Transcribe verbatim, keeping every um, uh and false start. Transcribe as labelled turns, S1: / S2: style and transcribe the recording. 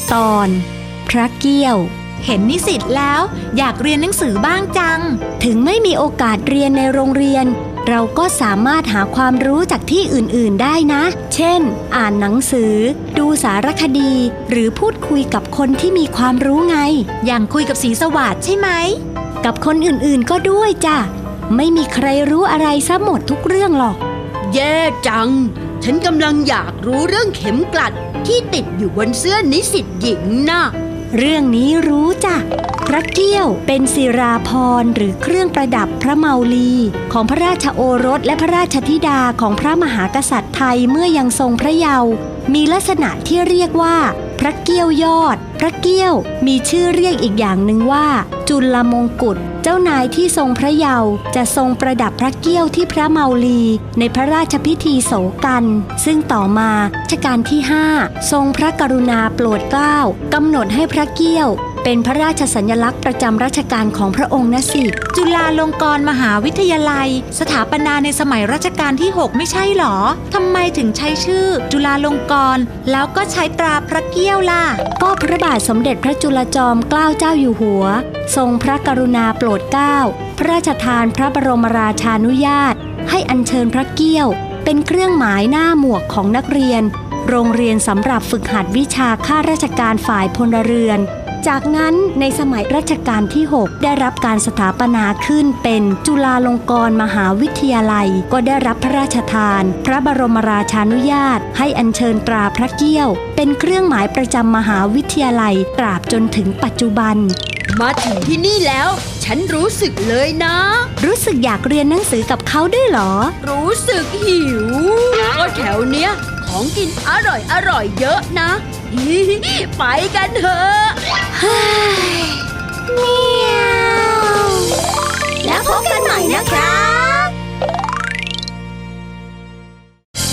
S1: ตอนพระเกี้ยว
S2: เห็นนิสิตแล้วอยากเรียนหนังสือบ้างจัง
S1: ถึงไม่มีโอกาสเรียนในโรงเรียนเราก็สามารถหาความรู้จากที่อื่นๆได้นะเช่นอ่านหนังสือดูสารคดีหรือพูดคุยกับคนที่มีความรู้ไง
S2: อย่างคุยกับศรีสวัสดิ์ใช่ไหม
S1: กับคนอื่นๆก็ด้วยจ้ะไม่มีใครรู้อะไรซะหมดทุกเรื่องหรอก
S3: แย่จังฉันกำลังอยากรู้เรื่องเข็มกลัดที่ติดอยู่บนเสื้อนิสิตหญิงนะ
S1: เรื่องนี้รู้จ้ะพระเกี้ยวเป็นศิราภรณ์หรือเครื่องประดับพระเมาลีของพระราชโอรสและพระราชธิดาของพระมหากษัตริย์ไทยเมื่อยังทรงพระเยาว์มีลักษณะที่เรียกว่าพระเกี้ยวยอดพระเกี้ยวมีชื่อเรียกอีกอย่างหนึ่งว่าจุลมงกุฎเจ้านายที่ทรงพระเยาว์จะทรงประดับพระเกี้ยวที่พระเมาลีในพระราชพิธีโศกันซึ่งต่อมารัชกาลที่ห้าทรงพระกรุณาโปรดเกล้ากำหนดให้พระเกี้ยวเป็นพระราชสัญลักษณ์ประจำรัชกาลของพระองค์นะสิ
S2: จุฬาลงกรณ์มหาวิทยาลัยสถาปนาในสมัยรัชกาลที่หกไม่ใช่หรอทำไมถึงใช้ชื่อจุฬาลงกรณ์แล้วก็ใช้ตราพระเกี้ยวล่ะ
S1: ก็พระบาทสมเด็จพระจุลจอมเกล้าเจ้าอยู่หัวทรงพระกรุณาโปรดเกล้าพระราชทานพระบรมราชานุญาตให้อัญเชิญพระเกี้ยวเป็นเครื่องหมายหน้าหมวกของนักเรียนโรงเรียนสำหรับฝึกหัดวิชาข้าราชการฝ่ายพลเรือนจากนั้นในสมัยรัชกาลที่หกได้รับการสถาปนาขึ้นเป็นจุฬาลงกรณ์มหาวิทยาลัยก็ได้รับพระราชทานพระบรมราชานุญาตให้อัญเชิญตราพระเกี้ยวเป็นเครื่องหมายประจำมหาวิทยาลัยตราบจนถึงปัจจุบัน
S3: มาถึงที่นี่แล้วฉันรู้สึกเลยนะ
S1: รู้สึกอยากเรียนหนังสือกับเขาด้วยเหรอ
S3: รู้สึกหิวก็แถวเนี้ยของกินอร่อยอร่อยเยอะนะไปกันเถอะ
S1: นี่